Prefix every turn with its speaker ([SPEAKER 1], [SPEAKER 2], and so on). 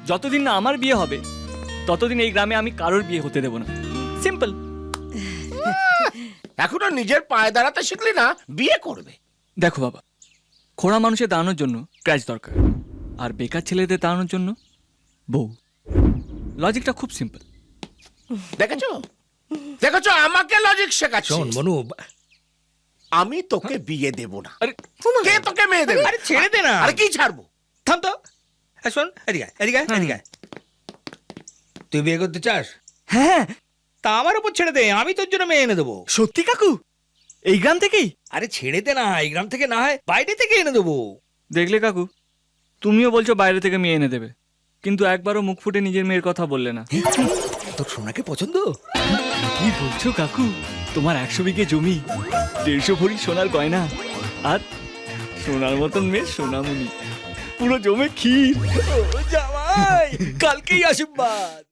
[SPEAKER 1] যতদিন না আমার বিয়ে হবে ততদিন এই গ্রামে আমি কারোর বিয়ে হতে দেব না। সিম্পল।
[SPEAKER 2] এখনো নিজের পায়ে দাঁড়াতে শিখলি না, বিয়ে করবে?
[SPEAKER 1] দেখো বাবা, খোড়া মানুষের দাঁড়ানোর জন্য ক্র্যাচ দরকার, আর বেকার ছেলেদের দাঁড়ানোর জন্য বউ। লজিকটা খুব সিম্পল।
[SPEAKER 2] দেখেছো দেখেছো, আমাকে লজিক শেখাচ্ছ।
[SPEAKER 3] শোন মনু,
[SPEAKER 2] আমি তোকে বিয়ে দেব না।
[SPEAKER 1] আরে
[SPEAKER 2] কে তোকে মেয়ে দেবে?
[SPEAKER 3] আরে ছেড়ে দে না।
[SPEAKER 2] আরে কি ছাড়বো?
[SPEAKER 3] থাম তো। শোন, এদিকে আয়, এদিকে আয়, এদিকে আয়। তুই বিয়ে করতে চাস?
[SPEAKER 1] হ্যাঁ,
[SPEAKER 3] তা আমার উপর ছেড়ে দে, আমি তোর জন্য মেয়ে এনে দেবো।
[SPEAKER 1] সত্যি কাকু? এই গ্রাম থেকেই?
[SPEAKER 3] আরে ছেড়ে দে না, এই গ্রাম থেকে না হয় বাইরে থেকে এনে দেবো।
[SPEAKER 1] দেখলে কাকু, তুমিও বলছো বাইরে থেকে মেয়ে এনে দেবে, কিন্তু একবারও মুখ ফুটে নিজের মেয়ের কথা বললে না।
[SPEAKER 3] তোর সোনাকে পছন্দ?
[SPEAKER 1] কি বলছো কাকু? তোমার 100 বিঘে জমি, 150 ভরি সোনার গয়না, আর সোনার মতন মেয়ে সোনামণি, পুরো জমে ক্ষীর।
[SPEAKER 3] ও জামাই, কালকেই আশীর্বাদ।